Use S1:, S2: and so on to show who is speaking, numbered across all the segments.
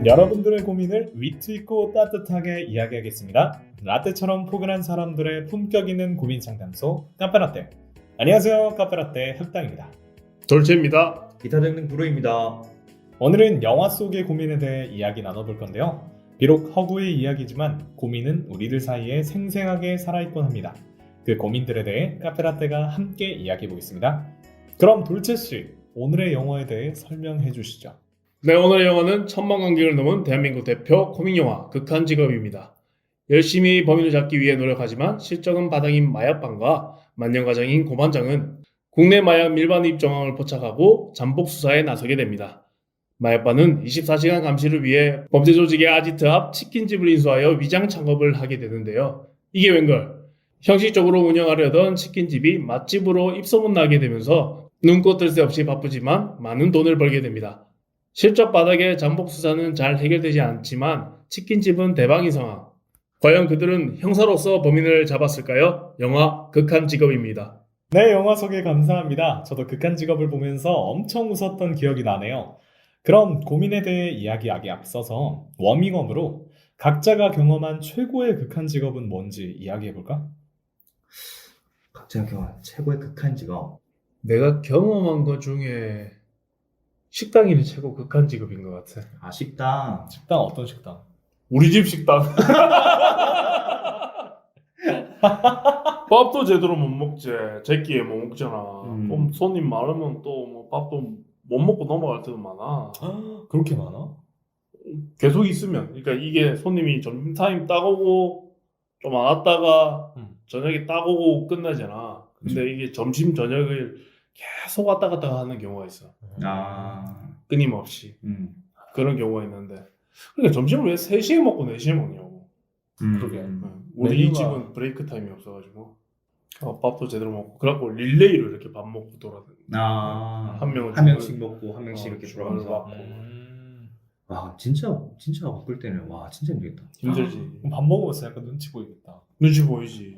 S1: 여러분들의 고민을 위트 있고 따뜻하게 이야기하겠습니다. 라떼처럼 포근한 사람들의 품격 있는 고민 상담소 카페라떼. 안녕하세요, 카페라떼 흑당입니다.
S2: 돌체입니다.
S3: 기타 등등 브로입니다.
S1: 오늘은 영화 속의 고민에 대해 이야기 나눠볼 건데요. 비록 허구의 이야기지만 고민은 우리들 사이에 생생하게 살아있곤 합니다. 그 고민들에 대해 카페라떼가 함께 이야기해 보겠습니다. 그럼 돌체씨, 오늘의 영화에 대해 설명해 주시죠.
S2: 네, 오늘의 영화는 1000만 관객을 넘은 대한민국 대표 코믹영화 극한직업입니다. 열심히 범인을 잡기 위해 노력하지만 실적은 바닥인 마약반과 만년과장인 고반장은 국내 마약 밀반 입 정황을 포착하고 잠복 수사에 나서게 됩니다. 마약반은 24시간 감시를 위해 범죄 조직의 아지트 앞 치킨집을 인수하여 위장 창업을 하게 되는데요. 이게 웬걸? 형식적으로 운영하려던 치킨집이 맛집으로 입소문나게 되면서 눈꽃 뜰 새 없이 바쁘지만 많은 돈을 벌게 됩니다. 실적 바닥에 잠복 수사는 잘 해결되지 않지만 치킨집은 대박인 상황. 과연 그들은 형사로서 범인을 잡았을까요? 영화 극한직업입니다.
S1: 네, 영화 소개 감사합니다. 저도 극한직업을 보면서 엄청 웃었던 기억이 나네요. 그럼 고민에 대해 이야기하기 앞서서 워밍업으로 각자가 경험한 최고의 극한직업은 뭔지 이야기해볼까?
S3: 각자가 경험한 최고의 극한 직업.
S2: 내가 경험한 것 중에 식당인이 최고 극한직업인 것 같아.
S3: 아, 식당.
S1: 식당 어떤 식당?
S2: 우리 집 식당. 밥도 제대로 못 먹지. 제끼에 못 먹잖아. 그럼 손님 많으면 또 뭐 밥도 못 먹고 넘어갈 때도 많아.
S1: 그렇게 많아?
S2: 계속 있으면. 그러니까 이게 손님이 점심타임 따오고 좀 안 왔다가 저녁에 따오고 끝나잖아. 근데 이게 점심 저녁을 계속 왔다 갔다 하는 경우가 있어. 끊임없이. 그런 경우가 있는데. 그러니까 점심을 왜 3시에 먹고 4시에 먹냐고.
S1: 그러게.
S2: 우리 이
S1: 메뉴가-
S2: 집은 브레이크 타임이 없어가지고 밥도 제대로 먹고 그래갖고 릴레이로 이렇게 밥 먹고 돌아다니. 한 명은
S3: 한 명씩 먹고 한 명씩 이렇게
S2: 주문을
S3: 들어가면서.
S2: 받고.
S3: 와, 진짜 바쁠 때는 와, 진짜 힘들겠다.
S2: 힘들지.
S1: 그럼 밥 먹으면서 약간 눈치 보이겠다.
S2: 눈치 보이지.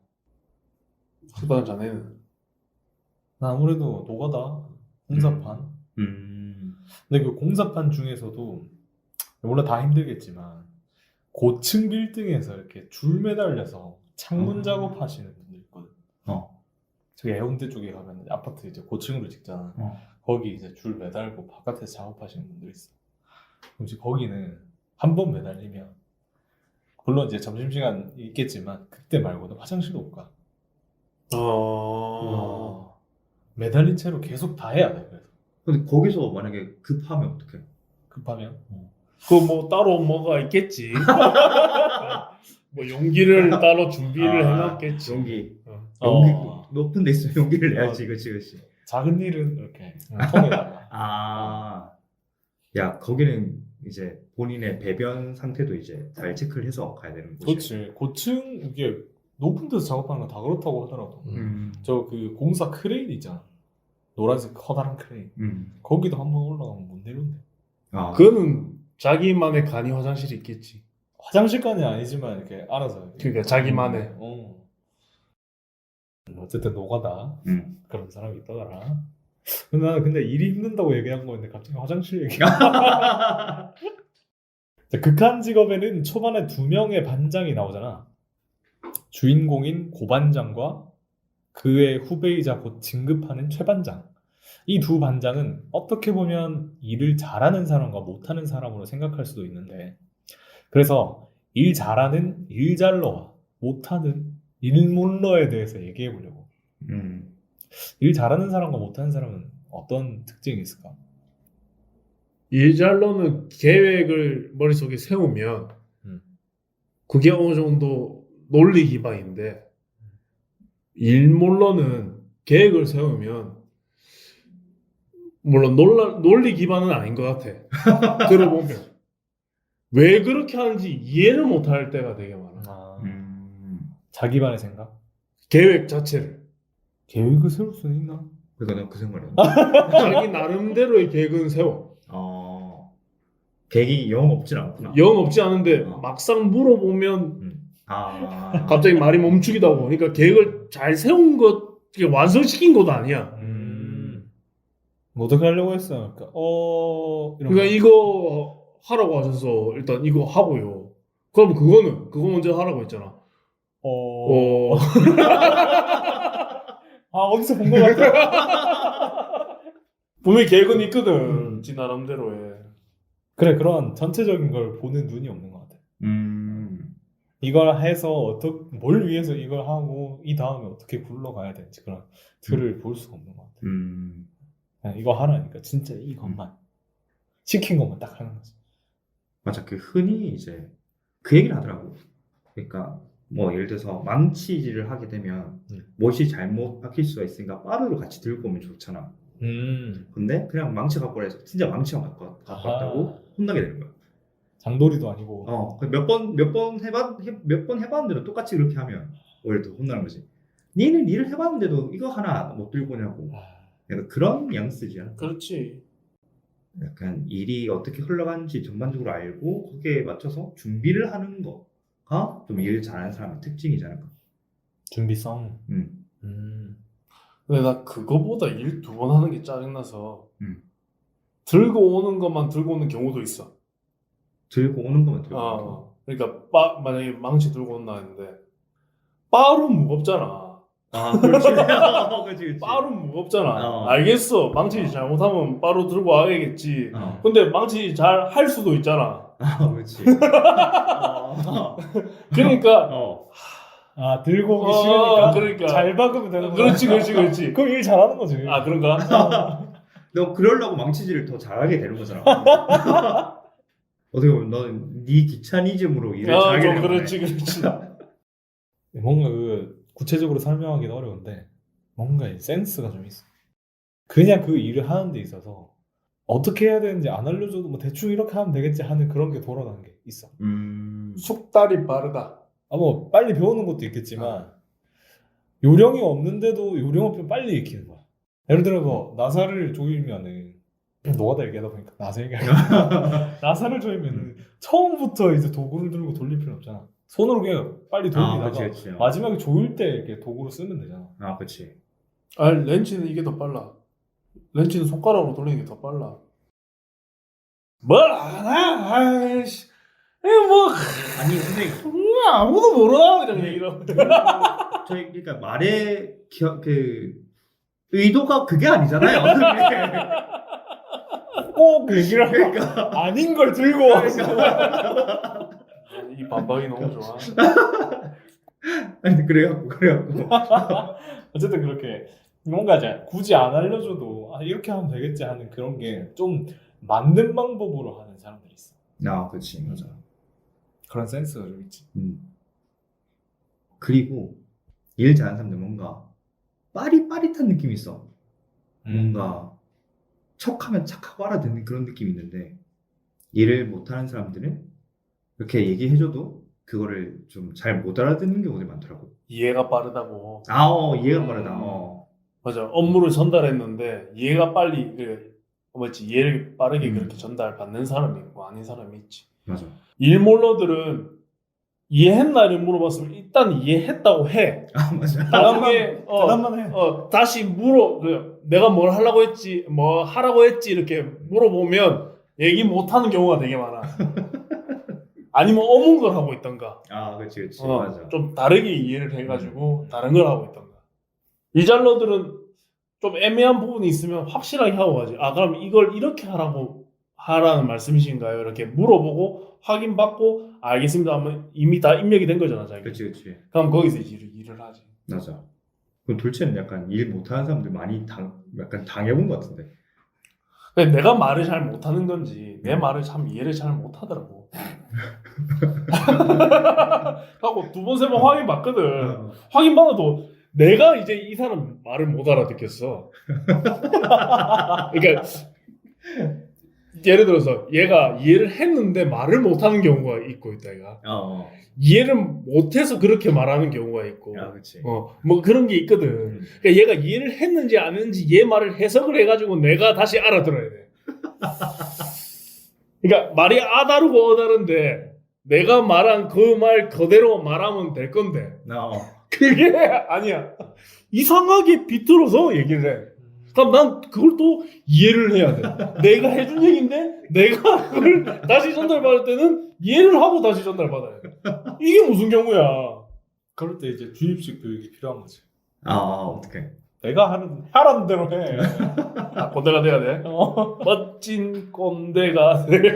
S2: 식당 자네는.
S1: 나 아무래도 노가다, 공사판. 근데 그 공사판 중에서도 물론 다 힘들겠지만 고층 빌딩에서 이렇게 줄 매달려서 창문 작업하시는 분들 있거든. 저기 해운대 쪽에 가면 아파트 이제 고층으로 짓잖아. 거기 이제 줄 매달고 바깥에서 작업하시는 분들 있어. 그럼 이제 거기는 한 번 매달리면 물론 이제 점심시간 있겠지만 그때 말고는 화장실도 못 가. 매달린 채로 계속 다 해야 돼. 그래서
S3: 근데 거기서 만약에 급하면 어떡해?
S1: 급하면
S2: 그 뭐 따로 뭐가 있겠지. 뭐 용기를 따로 준비를 해놨겠지.
S3: 용기.
S1: 어.
S3: 높은 데 있으면 용기를 내야지. 그치.
S1: 작은 일은 이렇게 통에다가
S3: 야, 거기는 이제 본인의 배변 상태도 이제 잘 체크를 해서 가야 되는 곳이야.
S1: 그렇지. 고층 이게 높은 데서 작업하는 건 다 그렇다고 하더라고. 저 그 공사 크레인 있잖아. 노란색 커다란 크레인. 거기도 한번 올라가면 못 내려온대.
S2: 그거는 자기만의 간이 화장실이 있겠지.
S1: 화장실까지 아니지만 이렇게 알아서.
S2: 그러니까 자기만의.
S1: 어쨌든 노가다 그런 사람이 있더라. 근데 일이 힘든다고 얘기한 거였는데 갑자기 화장실 얘기가. 자, 극한 직업에는 초반에 2명의 반장이 나오잖아. 주인공인 고반장과 그의 후배이자 곧 진급하는 최반장. 이 두 반장은 어떻게 보면 일을 잘하는 사람과 못하는 사람으로 생각할 수도 있는데, 그래서 일 잘하는 일잘러와 못하는 일몰러에 대해서 얘기해 보려고. 일 잘하는 사람과 못하는 사람은 어떤 특징이 있을까?
S2: 일잘로는 계획을 머릿속에 세우면 그게 어느 정도 논리 기반인데, 일몰러는 계획을 세우면 물론 논리 기반은 아닌 것 같아. 들어보면 왜 그렇게 하는지 이해를 못할 때가 되게 많아.
S1: 자기만의 생각?
S2: 계획 자체를.
S1: 계획을 세울 수는 있나?
S3: 그러니까 내가 그 생각을
S2: 자기 나름대로의 계획은 세워.
S3: 계획이 영 없진 않구나.
S2: 영 없지 않은데 막상 물어보면 갑자기 말이 멈추기도 하고. 그러니까 계획을 잘 세운 것, 완성시킨 것도 아니야.
S1: 뭐 어떻게 하려고 했어? 그러니까
S2: 그러니까 이거 하라고 하셔서 일단 이거 하고요. 그럼 그거 먼저 하라고 했잖아.
S1: 아, 어디서 본 것 같아.
S2: 분명히 계획은 있거든. 지 나름대로의.
S1: 그래, 그런 전체적인 걸 보는 눈이 없는 것 같아. 이걸 해서 뭘 위해서 이걸 하고 이 다음에 어떻게 굴러가야 되는지 그런 틀을 볼 수가 없는 것 같아. 그냥 이거 하라니까 진짜 이것만 시킨 것만 딱 하는 거지.
S3: 맞아. 그 흔히 이제 그 얘기를 하더라고. 그러니까 뭐 예를 들어서 망치질을 하게 되면 못이 잘못 박힐 수가 있으니까 빠르로 같이 들고 오면 좋잖아. 근데 그냥 망치 갖고 해서 진짜 망치만 갖고 왔다고 혼나게 되는 거야.
S1: 장돌이도 아니고.
S3: 몇 번 해봤는데도 똑같이 그렇게 하면 오히려 더 혼나는 거지. 니는 일을 해봤는데도 이거 하나 못 들고 오냐고. 약간 그런 뉘앙스지 않아?
S2: 그렇지.
S3: 약간 일이 어떻게 흘러가는지 전반적으로 알고 거기에 맞춰서 준비를 하는 거가 좀 일 잘하는 사람의 특징이지 않을까?
S1: 준비성.
S2: 근데 나 그거보다 일 2번 하는 게 짜증나서 들고 오는 것만 들고 오는 경우도 있어.
S3: 들고 오는 거면 들고 오는 거.
S2: 그러니까 만약에 망치 들고 온다 했는데 빠로 무겁잖아.
S3: 그렇지. 그렇지.
S2: 빠로 무겁잖아. 알겠어. 망치 잘못하면 빠로 들고 와야겠지. 근데 망치 잘 할 수도 있잖아.
S3: 그렇지.
S2: 그러니까
S1: 들고 오기 싫으니까
S2: 그러니까
S1: 잘 박으면 되는 거야.
S2: 그렇지.
S1: 그럼 일 잘하는 거지.
S2: 그런가?
S3: 너 그러려고 망치질을 더 잘하게 되는 거잖아. 어떻게 보면 너는 네 귀차니즘으로 일을 잘하게
S2: 좀
S3: 되는 거네.
S2: 그렇지.
S1: 뭔가 구체적으로 설명하기는 어려운데 뭔가 이 센스가 좀 있어. 그냥 그 일을 하는 데 있어서 어떻게 해야 되는지 안 알려줘도 뭐 대충 이렇게 하면 되겠지 하는 그런 게 돌아가는 게 있어.
S2: 속달이 빠르다.
S1: 뭐 빨리 배우는 것도 있겠지만 요령이 없는데도 요령 없으면 빨리 익히는 거야. 예를 들어 뭐 나사를 조이면은 너가 얘기하다 보니까 나사 얘기하니까 나사를 조이면은 처음부터 이제 도구를 들고 돌릴 필요 없잖아. 손으로 그냥 빨리 돌리다가
S3: 그치.
S1: 마지막에 조일 때 이렇게 도구로 쓰면 되잖아.
S3: 그렇지.
S2: 렌치는 이게 더 빨라. 렌치는 손가락으로 돌리는 게 더 빨라. 뭘 알아? 아이씨. 뭐
S3: 아니 근데
S2: 아무도 모르나 그냥 이런.
S3: 저희 그러니까 말의 그 의도가 그게 아니잖아요.
S1: 꼭 얘기를 하고
S3: 그러니까
S1: 아닌 걸 들고 와서
S2: 이 반박이 너무 좋아.
S3: 아니 그래요.
S1: 어쨌든 그렇게 뭔가 이제 굳이 안 알려줘도 이렇게 하면 되겠지 하는 그런 게 좀 맞는 방법으로 하는 사람들이 있어.
S3: 그렇지. 맞아.
S1: 그런 센스가 좀 있지.
S3: 그리고 일 잘하는 사람들 뭔가 빠릿빠릿한 느낌이 있어. 뭔가 척하면 착하고 알아듣는 그런 느낌이 있는데 일을 못하는 사람들은 이렇게 얘기해줘도 그거를 좀 잘 못 알아듣는 경우들이 많더라고.
S2: 이해가 빠르다고.
S3: 이해가 빠르다.
S2: 맞아. 업무를 전달했는데 이해가 빨리 이해를 빠르게 그렇게 전달받는 사람이 있고 아닌 사람이 있지.
S3: 맞아.
S2: 일몰러들은 이해했나를 물어봤으면 일단 이해했다고 해.
S3: 맞아.
S2: 나중에
S1: 대답만 해.
S2: 다시 내가 뭘 하려고 했지, 뭐 하라고 했지 이렇게 물어보면 얘기 못하는 경우가 되게 많아. 아니면 어문 걸 하고 있던가.
S3: 그렇지. 맞아.
S2: 좀 다르게 이해를 해가지고 다른 걸 하고 있던가. 일잘러들은 좀 애매한 부분이 있으면 확실하게 하고 가지. 그럼 이걸 이렇게 하라는 말씀이신가요? 이렇게 물어보고 확인받고 알겠습니다 하면 이미 다 입력이 된 거잖아, 자기.
S3: 그렇지.
S2: 그럼 거기서 일을 하지.
S3: 맞아. 그럼 돌체는 약간 일 못하는 사람들 많이 약간 당해본 것 같은데.
S2: 근데 내가 말을 잘 못하는 건지 내 말을 참 이해를 잘 못하더라고. 하고 2번, 3번 확인받거든. 확인받아도 내가 이제 이 사람 말을 못 알아듣겠어. 그러니까 예를 들어서 얘가 이해를 했는데 말을 못하는 경우가 있고 있다 얘가. 이해를 못해서 그렇게 말하는 경우가 있고.
S3: 그렇지.
S2: 뭐 그런 게 있거든. 그러니까 얘가 이해를 했는지 안 했는지 얘 말을 해석을 해가지고 내가 다시 알아들어야 돼. 그러니까 말이 다르고 어다른데 내가 말한 그 말 그대로 말하면 될 건데 그게 아니야. 이상하게 비틀어서 얘기를 해. 그럼 난 그걸 또 이해를 해야 돼. 내가 해준 얘기인데 내가 그걸 다시 전달받을 때는 이해를 하고 다시 전달받아야 돼. 이게 무슨 경우야?
S1: 그럴 때 이제 주입식 교육이 필요한 거지.
S3: 어떡해.
S1: 내가 하라는 대로 해.
S2: 아, 꼰대가 돼야 돼. 멋진 꼰대가 돼.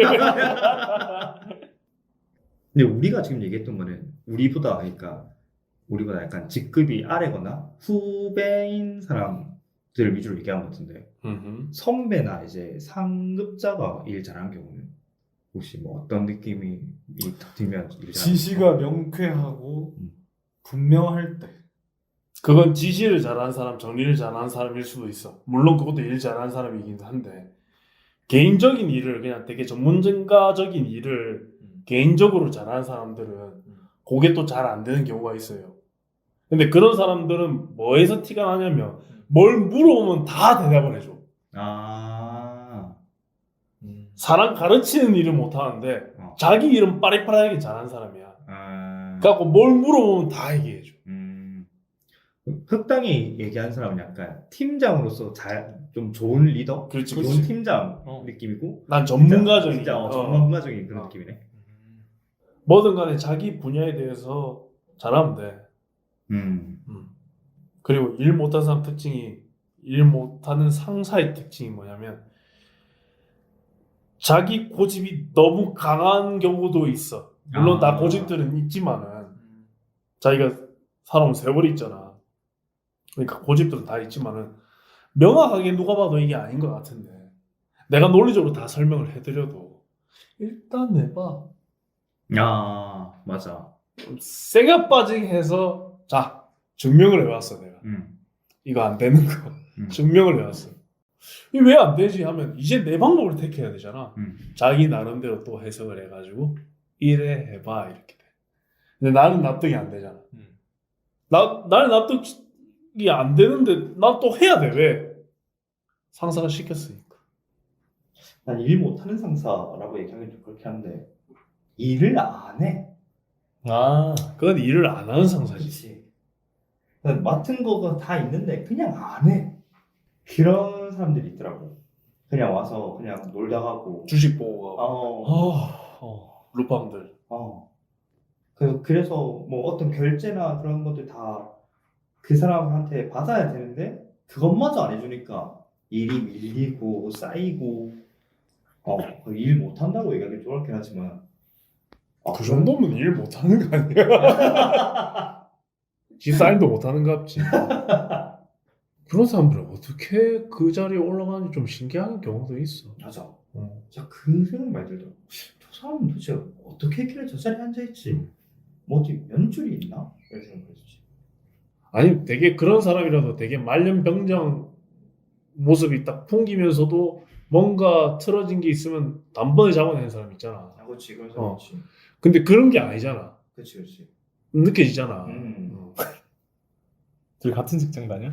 S3: 근데 우리가 지금 얘기했던 거는 우리보다 약간 직급이 아래거나 후배인 사람들을 위주로 얘기한 것 같은데 선배나 이제 상급자가 일 잘하는 경우는 혹시 뭐 어떤 느낌이 딱 들면 일 잘하는
S1: 지시가 명쾌하고 분명할 때.
S2: 그건 지시를 잘하는 사람, 정리를 잘하는 사람일 수도 있어. 물론 그것도 일 잘하는 사람이긴 한데 개인적인 일을 그냥 되게 전문가적인 일을 개인적으로 잘하는 사람들은 그게 또 잘 안 되는 경우가 있어요. 근데 그런 사람들은 뭐에서 티가 나냐면 뭘 물어보면 다 대답을 해줘. 사람 가르치는 일은 못하는데 자기 일은 빠릿빠릿하게 잘하는 사람이야. 그래갖고 뭘 물어보면 다 얘기해줘.
S3: 흑당이 얘기하는 사람은 약간 팀장으로서 좀 좋은 리더?
S2: 그렇지,
S3: 좋은
S2: 그렇지.
S3: 팀장 느낌이고
S2: 난 전문가적인
S3: 진짜 전문가적인 그런 느낌이네.
S2: 뭐든 간에 자기 분야에 대해서 잘하면 돼. 그리고 일 못하는 사람 특징이 일 못하는 상사의 특징이 뭐냐면 자기 고집이 너무 강한 경우도 있어. 물론 다 고집들은 있지만은 자기가 살아온 세월이 있잖아. 그러니까 고집들은 다 있지만은 명확하게 누가 봐도 이게 아닌 것 같은데 내가 논리적으로 다 설명을 해드려도 일단 내봐.
S3: 맞아.
S2: 세게 빠지게 해서 자 증명을 해왔어 내가. 이거 안 되는 거 증명을 해왔어. 이게 왜 안 되지 하면 이제 내 방법을 택해야 되잖아. 자기 나름대로 또 해석을 해가지고 이래 해봐 이렇게 돼. 근데 나는 납득이 안 되잖아. 나는 납득이 안 되는데 난 또 해야 돼. 왜? 상사가 시켰으니까.
S3: 난 일 못하는 상사라고 얘기하기 좀 그렇게 한데 일을 안 해.
S2: 그건 일을 안 하는 상사지.
S3: 그렇지. 맡은 거가 다 있는데 그냥 안 해. 그런 사람들이 있더라고. 그냥 와서 그냥 놀다 가고.
S2: 주식 보고 가고. 루팡들.
S3: 그래서 뭐 어떤 결제나 그런 것들 다 그 사람한테 받아야 되는데 그것마저 안 해주니까 일이 밀리고 쌓이고 일 못한다고 얘기하기 좀 그렇긴 하지만
S2: 그 정도면 일 못하는 거 아니야? 지 사인도 못하는 갑지. 그런 사람들은 어떻게 그 자리에 올라가는지 좀 신기한 경우도 있어.
S3: 맞아. 진짜 그 생각 많이 들더라고. 저 사람은 도대체 어떻게 했길래 저 자리에 앉아있지? 뭐 어디 면줄이 있나? 이런 생각을 했지.
S2: 아니 되게 그런 사람이라도 되게 말년병장 모습이 딱 풍기면서도 뭔가 틀어진 게 있으면 단번에 잡아내는 사람 있잖아.
S3: 그렇지. 그런 사람 있지.
S2: 근데 그런 게 아니잖아.
S3: 그렇지.
S2: 느껴지잖아.
S1: 둘이 같은 직장 다녀?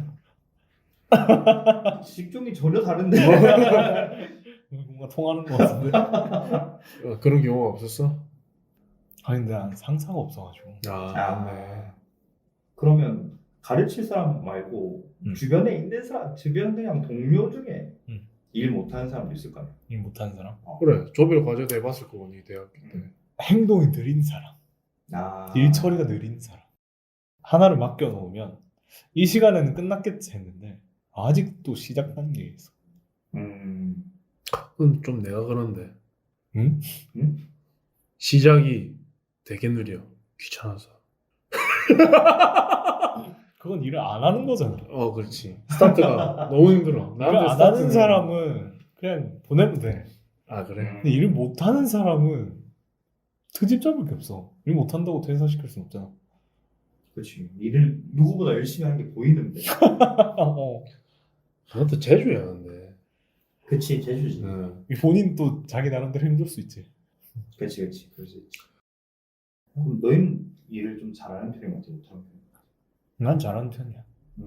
S3: 직종이 전혀 다른데.
S1: 뭔가 통하는 것 같은데.
S2: 그런 경우가 없었어?
S1: 근데 난 상사가 없어가지고.
S2: 네.
S3: 그러면 가르칠 사람 말고 주변에 있는 사람, 주변 그냥 동료 중에 일 못하는 사람도 있을 거 아니야?
S1: 일 못하는 사람?
S2: 그래. 조별 과제도 해봤을 거고 니 대학교 때.
S1: 행동이 느린 사람. 일 처리가 느린 사람. 하나를 맡겨놓으면 이 시간에는 끝났겠지 했는데 아직도 시작 단계에 있어.
S2: 그건 좀 내가 그런데.
S1: 응?
S2: 시작이 되게 느려. 귀찮아서.
S1: 그건 일을 안 하는 거잖아.
S2: 그렇지. 스타트가 너무 힘들어.
S1: 일을 안 하는 사람은 그냥 보내면 돼.
S2: 그래?
S1: 근데 일을 못 하는 사람은 트집 잡을 게 없어. 일 못 한다고 퇴사시킬 순 없잖아.
S3: 그렇지. 일을 누구보다 열심히 하는 게 보이는데.
S2: 그것도 재주야 근데.
S3: 그치, 재주지.
S1: 본인도 자기 나름대로 힘들 수 있지.
S3: 그렇지. 그럴 수 있지. 그럼 너희는 일을 좀 잘하는 편인 것 같아, 못하는 편인 것 같아?
S1: 난 잘하는 편이야.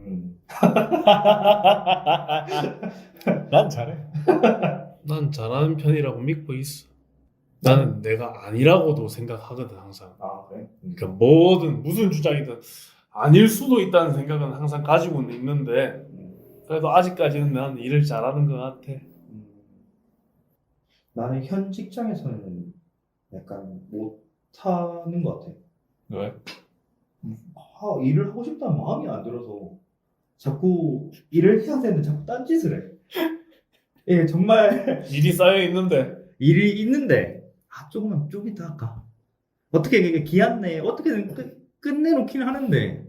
S1: 난 잘해.
S2: 난 잘하는 편이라고 믿고 있어. 나는 내가 아니라고도 생각하거든 항상.
S3: 그래?
S2: 그러니까 뭐든 무슨 주장이든 아닐 수도 있다는 생각은 항상 가지고는 있는데 그래도 아직까지는 난 일을 잘하는 것 같아.
S3: 나는 현 직장에서는 약간 못하는 것 같아.
S1: 왜?
S3: 일을 하고 싶다는 마음이 안 들어서 자꾸 일을 해야 되는데 자꾸 딴짓을 해. 예, 정말
S2: 일이 쌓여 있는데.
S3: 일이 있는데 조금만 좀 이따 할까? 어떻게 이게 기한 내에 어떻게든 끝내놓긴 하는데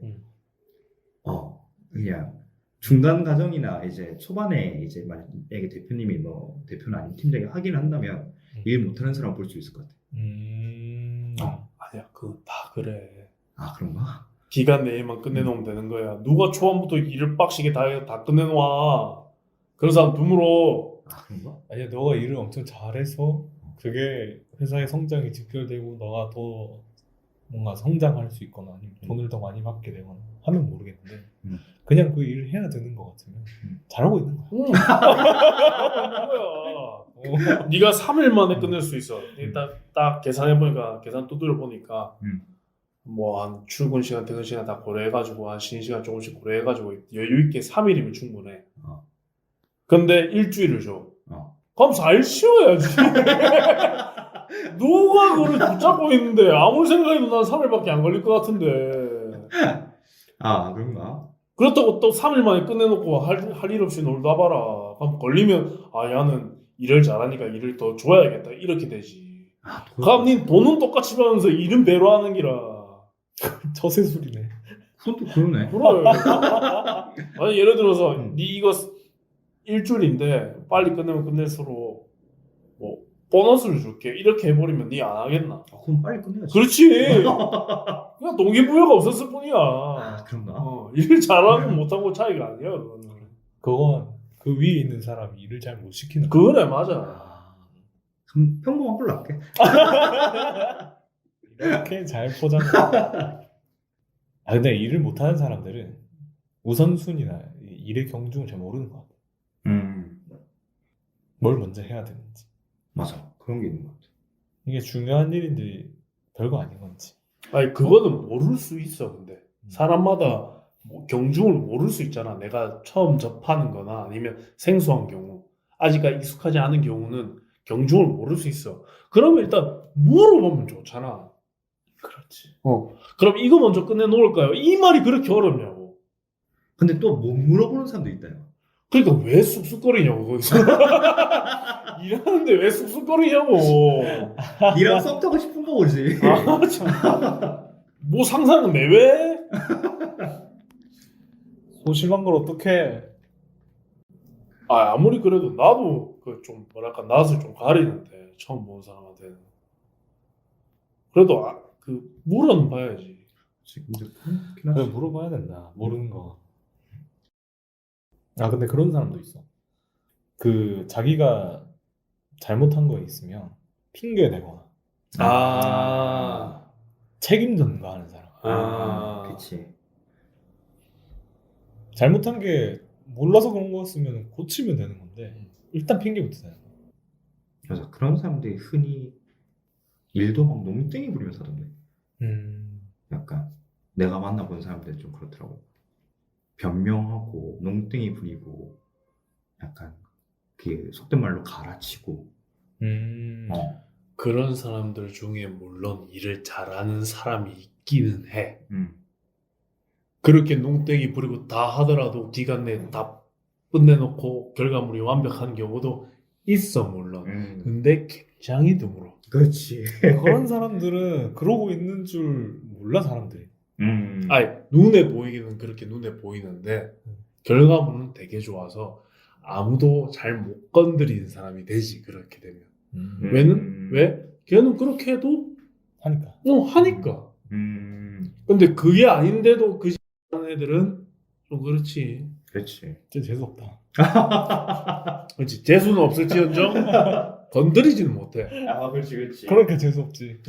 S3: 그냥 중간 과정이나 이제 초반에 이제 만약에 대표님이 뭐 대표는 아닌 팀장이 하긴 한다면 일 못하는 사람 볼 수 있을 것 같아.
S2: 아니야, 그거 다 그래.
S3: 아 그런가?
S2: 기간 내에만 끝내놓으면 되는 거야. 누가 초반부터 일을 빡시게 다 끝내놓아. 그런 사람 드물어.
S3: 아 그런가?
S1: 아니야, 너가 일을 엄청 잘해서 그게 회사의 성장이 직결되고 너가 더 뭔가 성장할 수 있거나 아니면 돈을 더 많이 받게 되거나 하면 모르겠는데 그냥 그 일을 해야 되는 것 같으면 잘하고 있는 거야.
S2: 응. 거야. 네가 3일 만에 끝낼 수 있어. 딱 계산해보니까 계산 두드려 보니까 뭐 한 출근 시간, 퇴근 시간 다 고려해가지고 한 쉬는 시간 조금씩 고려해가지고 여유 있게 3일이면 충분해. 근데 일주일을 줘. 그럼 4일 쉬어야지. 누가 그걸 붙잡고 있는데 아무리 생각해도 난 3일밖에 안 걸릴 것 같은데.
S3: 아 그런가?
S2: 그렇다고 또 3일 만에 끝내놓고 할 일 없이 놀다 봐라. 그럼 걸리면 야는 일을 잘하니까 일을 더 줘야겠다 이렇게 되지. 그럼 니 돈은 똑같이 받으면서 일은 배로 하는 기라.
S1: 처세술이네.
S3: 그것도 그러네.
S2: 그래. 아니 예를 들어서 니 이거 일주일인데 빨리 끝내면 끝낼수록 뭐 보너스를 줄게 이렇게 해버리면 니 안 하겠나?
S3: 그럼 빨리 끝내야지.
S2: 그렇지. 그냥 동기부여가 없었을 뿐이야.
S3: 그런가?
S2: 일 잘하고 못하고 차이가 아니야 그거는.
S1: 그건 그 위에 있는 사람이 일을 잘 못 시키는
S2: 그래 맞아.
S3: 그럼 평범한 걸로 할게.
S1: 이렇게 잘 포장해. 근데 일을 못하는 사람들은 우선순위나 일의 경중을 잘 모르는 것 같아. 뭘 먼저 해야 되는지.
S3: 맞아. 그런 게 있는 것 같아.
S1: 이게 중요한 일인데 별거 아닌 건지.
S2: 아니 그거는 모를 수 있어. 근데 사람마다 뭐 경중을 모를 수 있잖아. 내가 처음 접하는 거나 아니면 생소한 경우 아직까지 익숙하지 않은 경우는 경중을 모를 수 있어. 그러면 일단 물어보면 좋잖아.
S1: 그렇지.
S2: 그럼 이거 먼저 끝내 놓을까요? 이 말이 그렇게 어렵냐고.
S3: 근데 또 못 물어보는 사람도 있다요.
S2: 그러니까 왜 쑥쑥거리냐고 거기서. 일하는데 왜 쑥쑥거리냐고.
S3: 니랑 썸 타고 싶은 거 보지.
S2: 아, 참. 뭐 상상은 내외?
S1: 소심한 걸 어떡해.
S2: 아무리 그래도 나도 그 좀 뭐랄까 낯을 좀 가리는데 처음 보는 사람한테는 그래도 그 물어는 봐야지.
S1: 그래, 물어봐야 된다. 모르는 거. 근데 그런 사람도 있어. 그 자기가 잘못한 거 있으면 핑계 대거나 책임 전가하는 사람.
S3: 그치.
S1: 잘못한 게 몰라서 그런 거였으면 고치면 되는 건데 일단 핑계부터 대는 거야.
S3: 그래서 그런 사람들이 흔히 일도 막 농땡이 부리면서 하던데. 약간 내가 만나본 사람들 좀 그렇더라고. 변명하고 농땡이 부리고 약간 그 속된 말로 갈아치고.
S2: 그런 사람들 중에 물론 일을 잘하는 사람이 있기는 해. 그렇게 농땡이 부리고 다 하더라도 기간 내에 다 끝내놓고 결과물이 완벽한 경우도 있어 물론. 근데 굉장히 드물어.
S3: 그렇지.
S1: 그런 사람들은 그러고 있는 줄 몰라 사람들이.
S2: 아니 눈에 보이기는 그렇게 눈에 보이는데 결과물은 되게 좋아서 아무도 잘 못 건드리는 사람이 되지 그렇게 되면. 왜? 걔는 그렇게 해도
S1: 하니까.
S2: 하니까. 근데 그게 아닌데도 그 하는 애들은 좀 그렇지.
S3: 그렇지.
S1: 진짜 재수없다.
S2: 그렇지. 재수는 없을지언정 건드리지는 못해.
S3: 그렇지.
S1: 그러니까 재수없지.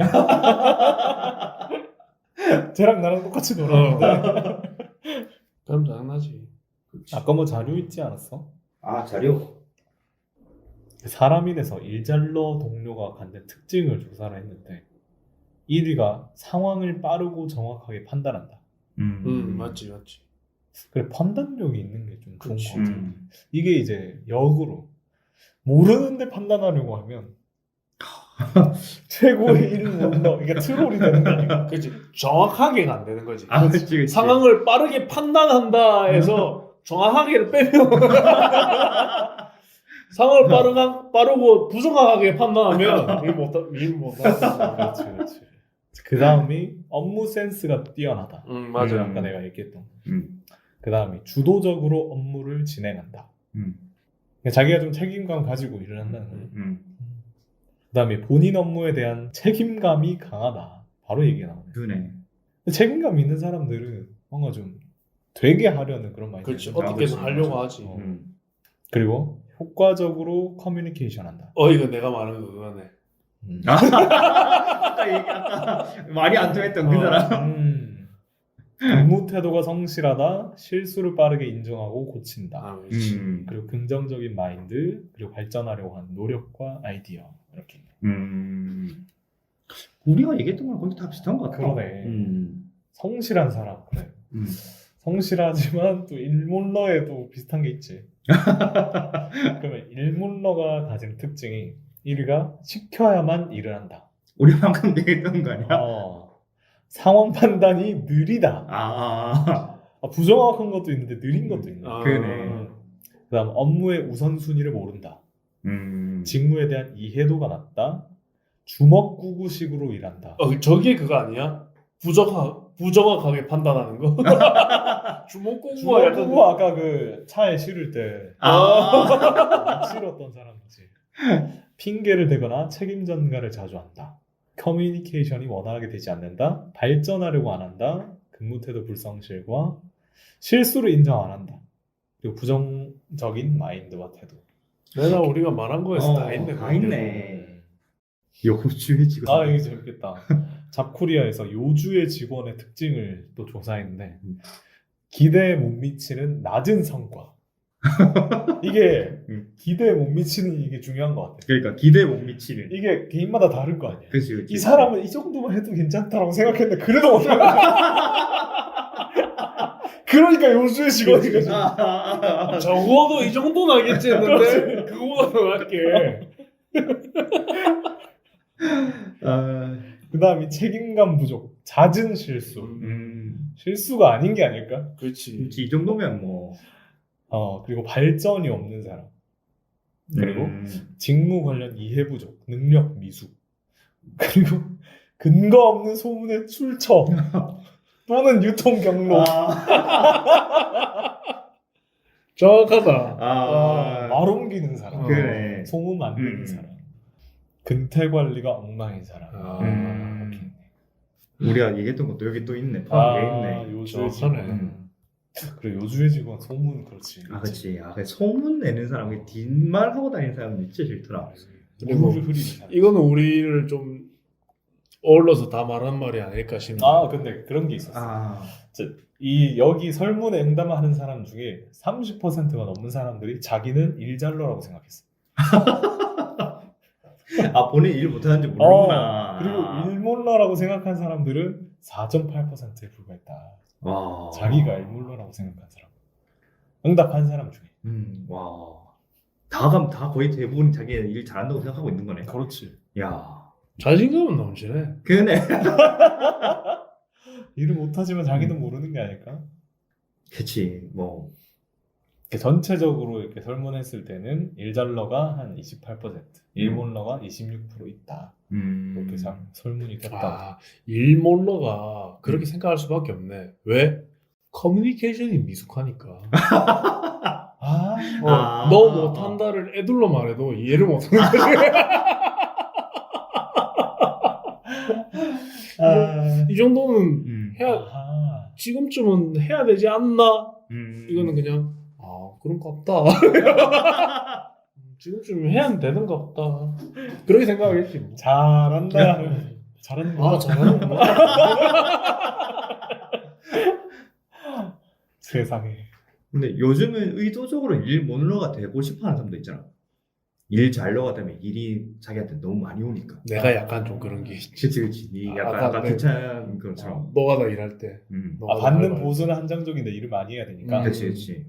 S1: 쟤랑 나랑 똑같이 놀았는데.
S2: 그럼 짜증나지.
S1: 아까 뭐 자료 있지 않았어?
S3: 자료.
S1: 사람이 돼서 일잘러 동료가 갖는 특징을 조사를 했는데 1위가 상황을 빠르고 정확하게 판단한다.
S2: 맞지.
S1: 그래 판단력이 있는 게 좀 좋은
S2: 그치.
S1: 것 같아. 이게 이제 역으로 모르는데 판단하려고 하면 최고의 일문러 그러니까 트롤이 되는 게 아니고
S2: 그치. 정확하게가 안 되는 거지.
S3: 아, 그치.
S2: 상황을 빠르게 판단한다 해서 정확하게를 빼면 상황을 빠르고 부정확하게 판단하면 일 못하는
S1: 그렇지 그렇지. 그 다음이 업무 센스가 뛰어나다.
S2: 맞아요.
S1: 아까 내가 얘기했던.
S3: 음.
S1: 그 다음이 주도적으로 업무를 진행한다.
S3: 음.
S1: 그러니까 자기가 좀 책임감 가지고 일을 한다는 거예요.
S3: 음.
S1: 그 다음에 본인 업무에 대한 책임감이 강하다. 바로 얘기가 나오네.
S3: 그네.
S1: 책임감 있는 사람들은 뭔가 좀 되게 하려는 그런 마인드.
S2: 그렇지.
S3: 맞아.
S2: 어떻게든
S3: 맞아.
S2: 하려고 하지.
S1: 그리고 효과적으로 커뮤니케이션 한다.
S2: 이거 내가 말하는 거 그거네.
S3: 아까 말이 안 통했던 그 사람.
S1: 근무 태도가 성실하다. 실수를 빠르게 인정하고 고친다.
S2: 아, 그렇지.
S1: 그리고 긍정적인 마인드, 그리고 발전하려고 하는 노력과 아이디어 이렇게.
S3: 우리가 얘기했던 거랑 거의 다 비슷한 것 같아.
S1: 그러네. 성실한 사람 그래.
S3: 음.
S1: 성실하지만 또 일몰러에도 비슷한 게 있지. 그러면 일몰러가 가진 특징이 1위가 시켜야만 일을 한다.
S3: 우리 방금 얘기했던 거 아니야?
S1: 상황 판단이 느리다.
S3: 아.
S1: 부정확한 것도 있는데 느린 것도 있네.
S3: 그러네.
S1: 그다음 업무의 우선순위를 모른다. 직무에 대한 이해도가 낮다. 주먹구구식으로 일한다.
S2: 저게 그거 아니야? 부정확하게 판단하는 거? 주먹구구가 약간
S1: 주먹구구 아까 그 차에 실을 때 실었던 사람이지. 핑계를 대거나 책임 전가를 자주 한다. 커뮤니케이션이 원활하게 되지 않는다. 발전하려고 안 한다. 근무 태도 불성실과 실수를 인정 안 한다. 그리고 부정적인 마인드와 태도.
S2: 내가 우리가 말한 거에서 다 있네.
S3: 다
S2: 그게.
S3: 있네. 요주의 직원.
S1: 이게 재밌겠다. 잡코리아에서 요주의 직원의 특징을 또 조사했는데 기대에 못 미치는 낮은 성과. 이게 기대에 못 미치는 이게 중요한 것 같아.
S3: 그러니까 기대에 못 미치는.
S1: 이게 개인마다 다를 거 아니야.
S3: 그치.
S1: 이 사람은 이 정도만 해도 괜찮다라고 생각했는데 그래도 못해. 그러니까 요주의 직원이 거지.
S2: 적어도 이 정도는 알겠지 했는데 그거보다 더 할게.
S1: 그 다음이 책임감 부족, 잦은 실수. 실수가 아닌 게 아닐까?
S2: 그렇지.
S3: 이 정도면 뭐.
S1: 그리고 발전이 없는 사람. 그리고 직무 관련 이해 부족, 능력 미숙. 그리고 근거 없는 소문의 출처 또는 유통 경로.
S2: 정확하다.
S1: 말 옮기는 사람.
S3: 그래.
S1: 소문 만드는 사람. 근태 관리가 엉망인 사람.
S3: 우리가 얘기했던 것도 여기 또 있네. 포함되어 있네.
S1: 요주의
S2: 정확하네.
S1: 직원. 그래 요주의 직원 소문 그렇지.
S3: 그렇지. 그 소문 내는 사람, 뒷말 하고 다니는 사람이 진짜 싫더라.
S2: 그리고
S1: 물을 흐리는 사람.
S2: 이거는 우리를 좀 어울러서 다 말한 말이 아닐까 싶네.
S1: 근데 그런 게 있었어.
S3: 아.
S1: 여기 설문에 응답하는 사람 중에 30%가 넘는 사람들이 자기는 일잘러라고 생각했어.
S3: 본인 일 못하는지 모르구나.
S1: 그리고 일몰러라고 생각한 사람들은 4.8%에 불과했다.
S3: 와.
S1: 자기가 일몰러라고 생각한 사람. 응답한 사람 중에.
S3: 와. 다 거의 대부분 자기 일 잘한다고 생각하고 있는 거네.
S1: 그렇지.
S3: 야.
S2: 자신감은 넘치네.
S3: 그네.
S1: 일을 못하지만 자기는 모르는 게 아닐까?
S3: 그치. 뭐.
S1: 전체적으로 이렇게 설문했을 때는 일잘러가 한 28%, 일몰러가 26% 있다. 이렇게 설문이 됐다.
S2: 일몰러가 그렇게 생각할 수밖에 없네. 왜? 커뮤니케이션이 미숙하니까. 너 못한다를 애들로 말해도 이해를 못하는 거지. 이 정도는 지금쯤은 해야 되지 않나? 이거는 그냥 그런가 없다. 지금쯤 해야 되는가 없다. 그렇게 생각하겠지. 뭐.
S1: 잘한다. 잘한다.
S2: 잘하는구나.
S1: 세상에.
S3: 근데 요즘은 의도적으로 일몰러가 되고 싶어하는 사람도 있잖아. 일 잘려가 되면 일이 자기한테 너무 많이 오니까.
S2: 내가 약간 좀 그런 게 있지.
S3: 그치. 니 약간
S2: 아까
S3: 아까
S2: 내-
S3: 귀찮은 것처럼.
S2: 노가다 일할 때.
S1: 받는 보수는 한정적인데 일을 많이 해야 되니까.
S3: 그치.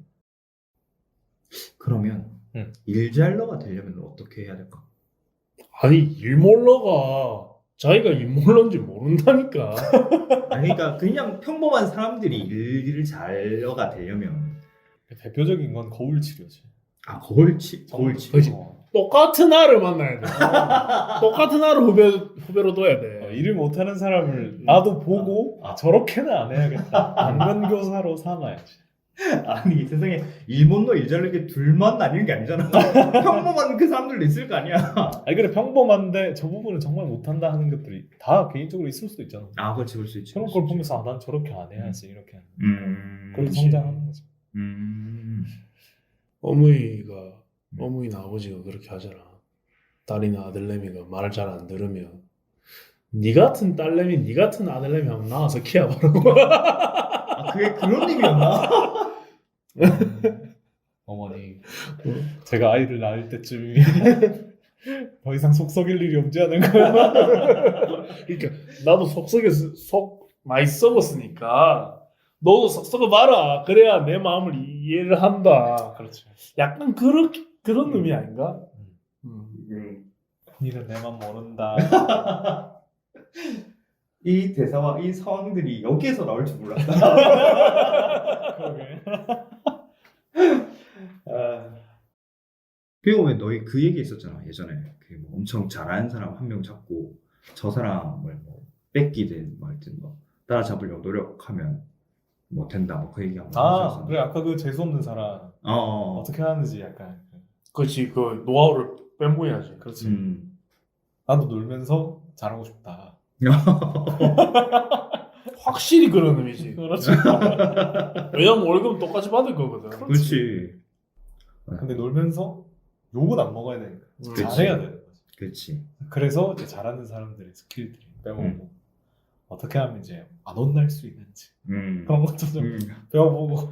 S3: 그러면
S1: 음.
S3: 일잘러가 되려면 어떻게 해야 될까?
S2: 아니 일몰러가 자기가 일몰러인지 모른다니까.
S3: 아니, 그러니까 그냥 평범한 사람들이 일을 잘러가 되려면
S1: 대표적인 건 거울 치료지.
S3: 거울 치료.
S2: 그치. 똑같은 아를 만나야 돼. 똑같은 아를 후배로 둬야 돼.
S1: 일을 못하는 사람을 나도 보고 저렇게는 안 해야겠다. 안면교사로 삼아야지.
S3: 아니 세상에 일 못너 일 잘르게 둘만 나뉘는 게 아니잖아. 평범한 그 사람들도 있을 거 아니야.
S1: 아니 그래 평범한데 저 부분은 정말 못한다 하는 것들이 다 개인적으로 있을 수도 있잖아.
S3: 그렇지 그럴 수 있지.
S1: 그런 걸 보면서 난 저렇게 안 해야지 이렇게 하는. 그렇게
S2: 그렇지.
S1: 성장하는 거지.
S2: 어머니나 아버지가 그렇게 하잖아. 딸이나 아들내미가 말을 잘 안 들으면 니 같은 딸내미, 니 같은 아들내미 하면 나와서 키워보라고.
S3: 그게 그런 의미였나?
S1: 어머니 제가 아이를 낳을 때쯤이면 더 이상 속 썩일 일이 없지 않을까.
S2: 그러니까 나도 속 많이 썩었으니까 너도 속 썩어봐라. 그래야 내 마음을 이해를 한다.
S1: 그렇지.
S2: 약간 그런 의미 아닌가?
S1: 니는 내 맘 모른다.
S3: 이 대사와 이 상황들이 여기에서 나올 줄 몰랐다.
S1: 그러게.
S3: 그리고 왜 너희 그 얘기 있었잖아 예전에 그뭐 엄청 잘하는 사람 한 명 잡고 저 사람을 뭐 뺏기든 뭐 하여튼 뭐 따라잡으려고 노력하면 뭐 된다 뭐 그 얘기 한번 하셨었는데.
S1: 그래 아까 그 재수 없는 사람 어떻게 하는지 약간.
S2: 그렇지. 그 노하우를 빼모야지.
S1: 그렇지.
S3: 음.
S1: 나도 놀면서 잘하고 싶다.
S2: 확실히 그런 의미지.
S1: 그렇지.
S2: 왜냐면 월급은 똑같이 받을 거거든.
S3: 그렇지.
S1: 근데 놀면서 욕은 안 먹어야 되니까.
S3: 그치.
S1: 잘해야 되는 거지.
S3: 그렇지.
S1: 그래서 이제 잘하는 사람들의 스킬들이 빼먹고 어떻게 하면 이제 안 혼날 수 있는지 그런 것도 좀 배워보고.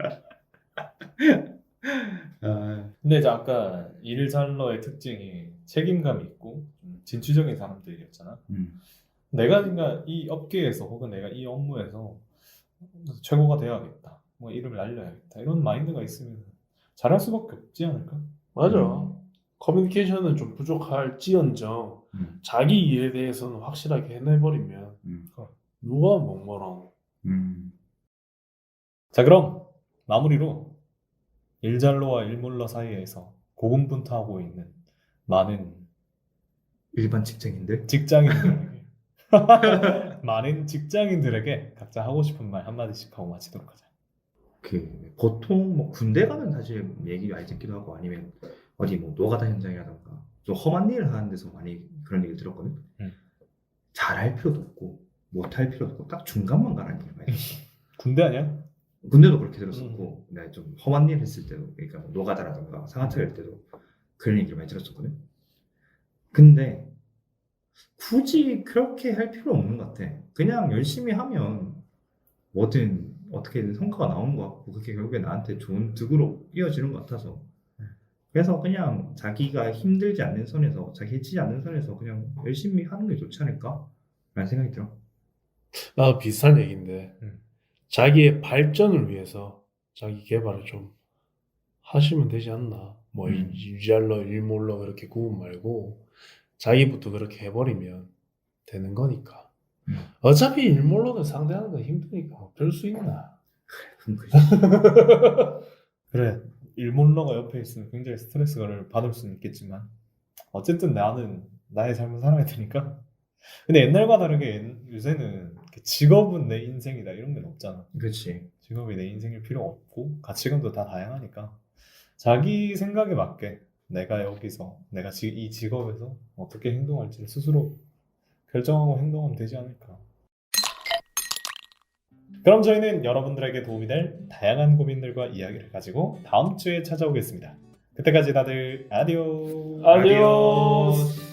S1: 근데 이제 아까 일잘러의 특징이 책임감이 있고 좀 진취적인 사람들이었잖아. 내가 그러니까 이 업계에서 혹은 내가 이 업무에서 최고가 되어야겠다, 뭐 이름을 날려야겠다 이런 마인드가 있으면 잘할 수밖에 없지 않을까?
S2: 맞아. 커뮤니케이션은 좀 부족할지언정 자기 일에 대해서는 확실하게 해내버리면 누가 뭐라고.
S1: 자 그럼 마무리로 일잘러와 일몰러 사이에서 고군분투하고 있는 많은
S3: 일반 직장인들
S1: 직장인들에게 많은 직장인들에게 각자 하고 싶은 말 한마디씩 하고 마치도록 하자.
S3: 그 보통 뭐 군대 가면 사실 얘기 많이 듣기도 하고 아니면 어디 뭐 노가다 현장이라던가 좀 험한 일을 하는 데서 많이 그런 얘기를 들었거든. 잘할 필요도 없고 못할 필요도 없고 딱 중간만 가라는 얘기를 많이 들었어.
S1: 군대 아니야?
S3: 군대도 그렇게 들었었고 내가 좀 험한 일 했을 때도 그러니까 뭐 노가다라던가 상하차 할 때도 그런 얘기를 많이 들었었거든. 근데 굳이 그렇게 할 필요 없는 것 같아. 그냥 열심히 하면 뭐든 어떻게든 성과가 나오는 것 같고 그게 결국에 나한테 좋은 득으로 이어지는 것 같아서 그래서 그냥 자기가 힘들지 않는 선에서 자기 해치지 않는 선에서 그냥 열심히 하는 게 좋지 않을까? 라는 생각이 들어.
S2: 나도 비슷한 얘기인데 자기의 발전을 위해서 자기 개발을 좀 하시면 되지 않나. 뭐 일잘러 일몰러 그렇게 구분 말고 자기부터 그렇게 해버리면 되는 거니까. 어차피 일몰러는 상대하는 건 힘드니까 어쩔 수 있나.
S3: 그럼 그지.
S1: 그래 일몰러가 옆에 있으면 굉장히 스트레스를 받을 수는 있겠지만 어쨌든 나는 나의 삶을 살아야 되니까. 근데 옛날과 다르게 요새는 직업은 내 인생이다 이런 게 없잖아.
S3: 그렇지.
S1: 직업이 내 인생일 필요 없고 가치관도 다 다양하니까 자기 생각에 맞게 내가 여기서 내가 이 직업에서 어떻게 행동할지를 스스로 결정하고 행동하면 되지 않을까. 그럼 저희는 여러분들에게 도움이 될 다양한 고민들과 이야기를 가지고 다음 주에 찾아오겠습니다. 그때까지 다들 아디오스.
S2: 아디오스.